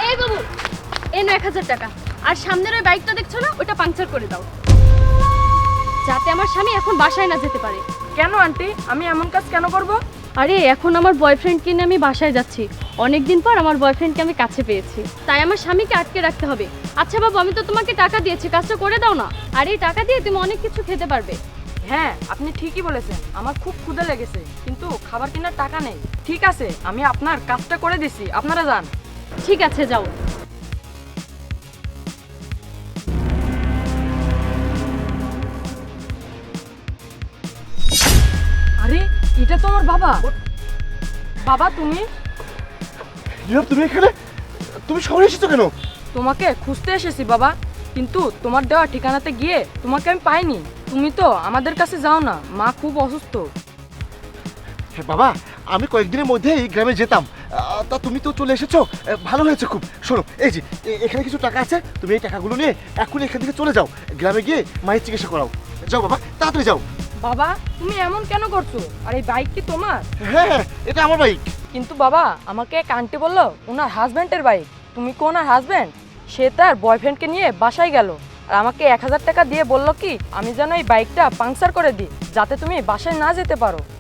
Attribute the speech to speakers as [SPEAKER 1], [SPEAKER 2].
[SPEAKER 1] এই বাবু, এই 9,000 টাকা। আর সামনের ওই বাইকটা দেখছো না, ওটা পাংচার করে দাও, যাতে আমার স্বামী এখন বাসায় না যেতে পারে।
[SPEAKER 2] কেন আন্টি, আমি এমন কাজ কেন করব?
[SPEAKER 1] আরে এখন আমার বয়ফ্রেন্ডকে নিয়ে আমি বাসায় যাচ্ছি। অনেকদিন পর আমার বয়ফ্রেন্ডকে আমি কাছে পেয়েছি, তাই আমার স্বামীকে আটকে রাখতে হবে। আচ্ছা বাবু, আমি তো তোমাকে টাকা দিয়েছি, কাজটা করে দাও না। আর এই টাকা দিয়ে তুমি অনেক কিছু খেতে পারবে।
[SPEAKER 2] হ্যাঁ, আপনি ঠিকই বলেছেন, আমার খুব ক্ষুধা লেগেছে, কিন্তু খাবার কেনার টাকা নেই। ঠিক আছে, আমি আপনার কাজটা করে দিছি, আপনারা যান।
[SPEAKER 1] ঠিক আছে, যাও।
[SPEAKER 2] আরে, এটা তো আমার বাবা। বাবা, তুমি
[SPEAKER 3] নীরব, তুমি এখানে? তুমি শহরে এসেছো কেন?
[SPEAKER 2] তোমাকে খুঁজতে এসেছি বাবা, কিন্তু তোমার দেওয়া ঠিকানাতে গিয়ে তোমাকে আমি পাইনি। তুমি তো আমাদের কাছে যাও না, মা খুব অসুস্থ।
[SPEAKER 3] হ্যাঁ বাবা, আমি কয়েকদিনের মধ্যে এই গ্রামে যেতাম, তা তুমি তো চলে এসেছো, ভালো হয়েছে খুব। শোনো, এই যে এখানে কিছু টাকা আছে, তুমি এই টাকাগুলো নিয়ে এখনই এখান থেকে চলে যাও, গ্রামে গিয়ে মায়ের চিকিৎসা করাও। যাও বাবা, তাড়াতাড়ি যাও।
[SPEAKER 2] বাবা, তুমি এমন কেন করছো? আর এই বাইক কি তোমার?
[SPEAKER 3] হ্যাঁ হ্যাঁ, এটা আমার বাইক।
[SPEAKER 2] কিন্তু বাবা, আমাকে এক আন্টি বললো ওনার হাজব্যান্ডের বাইক। তুমি কি ওনার হাজব্যান্ড? সে তার বয়ফ্রেন্ডকে নিয়ে বাসায় গেল, আর আমাকে 1,000 টাকা দিয়ে বললো কি আমি যেন এই বাইকটা পাংচার করে দিই, যাতে তুমি বাসায় না যেতে পারো।